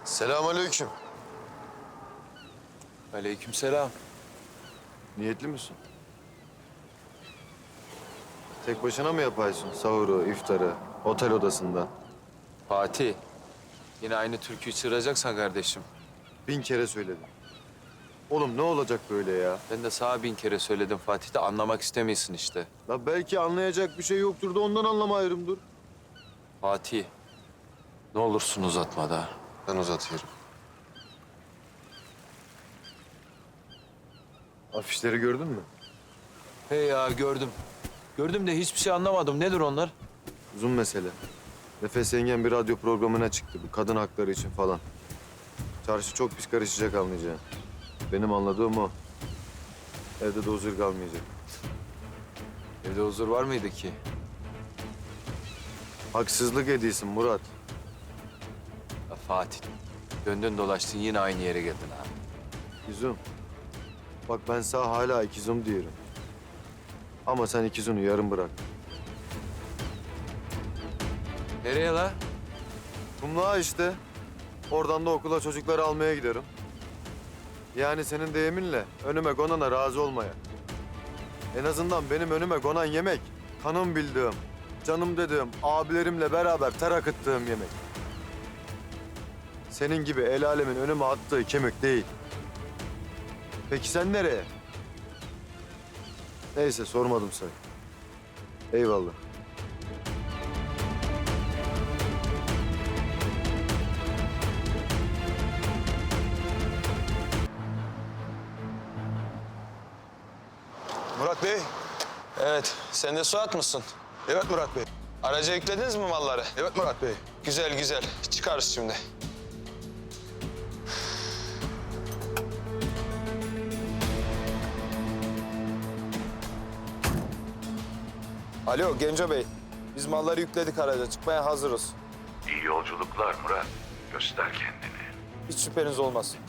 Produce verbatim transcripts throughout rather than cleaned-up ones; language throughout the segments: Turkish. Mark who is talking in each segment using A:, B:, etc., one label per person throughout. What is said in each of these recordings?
A: Selamünaleyküm.
B: Aleykümselam.
A: Niyetli misin? Tek başına mı yapaysın sahuru, iftarı, otel odasında?
B: Fatih. Yine aynı türküyü çığıracaksan kardeşim.
A: Bin kere söyledim. Oğlum ne olacak böyle ya?
B: Ben de sana bin kere söyledim Fatih de anlamak istemiyorsun işte.
A: La belki anlayacak bir şey yoktur da ondan anlamayırım dur.
B: Fatih. Ne olursun uzatma da.
A: Ben uzatıyorum. Afişleri gördün mü?
B: Hey ya gördüm. Gördüm de hiçbir şey anlamadım. Nedir onlar?
A: Uzun mesele. Nefes yengen bir radyo programına çıktı bu kadın hakları için falan. Çarşı çok pis karışacak anlayacağın. Benim anladığım o. Evde de huzur kalmayacak.
B: Evde huzur var mıydı ki?
A: Haksızlık ediyorsun Murat.
B: Ya Fatih. Döndün dolaştın yine aynı yere geldin ha.
A: İkizum. Bak ben sana hala ikizum diyorum. Ama sen ikizunu yarım bırak.
B: Nereye la?
A: Kumluğa işte. Oradan da okula çocukları almaya giderim. Yani senin deyiminle önüme konana razı olmaya. En azından benim önüme konan yemek, kanım bildiğim, canım dediğim, abilerimle beraber ter akıttığım yemek. Senin gibi el alemin önüme attığı kemik değil. Peki sen nereye? Neyse sormadım sana. Eyvallah.
C: Murat Bey.
D: Evet, sen de Suat mısın?
C: Evet Murat Bey.
D: Araca yüklediniz mi malları?
C: Evet Murat Bey.
D: Güzel güzel, çıkarız şimdi.
C: Alo Genco Bey. Biz malları yükledik araca. Çıkmaya hazırız.
E: İyi yolculuklar Murat. Göster kendini.
C: Hiç şüpheniz olmasın.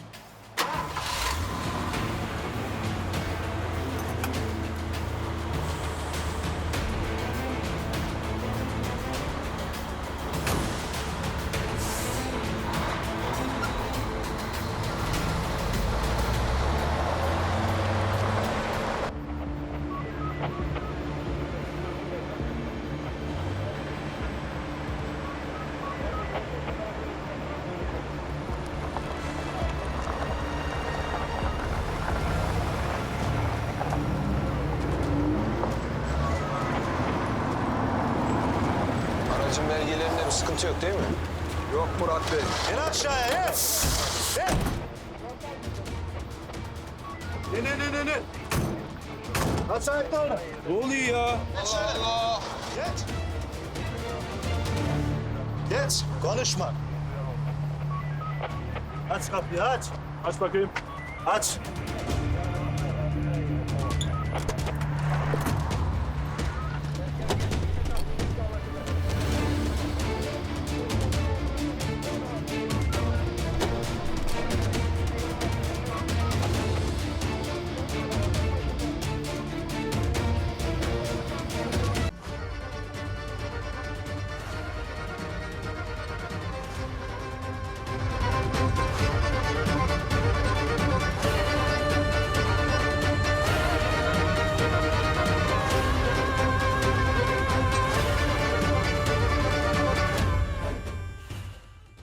D: Aracın belgelerinde bir sıkıntı yok değil mi?
C: Yok Murat Bey.
F: İn aşağıya, in! İn! İn, in, in, in, in! Aç ayaklarını.
C: Ne oluyor ya?
D: Allah!
F: Geç! Geç, konuşma. Aç kapıyı, aç. Aç bakayım. Aç.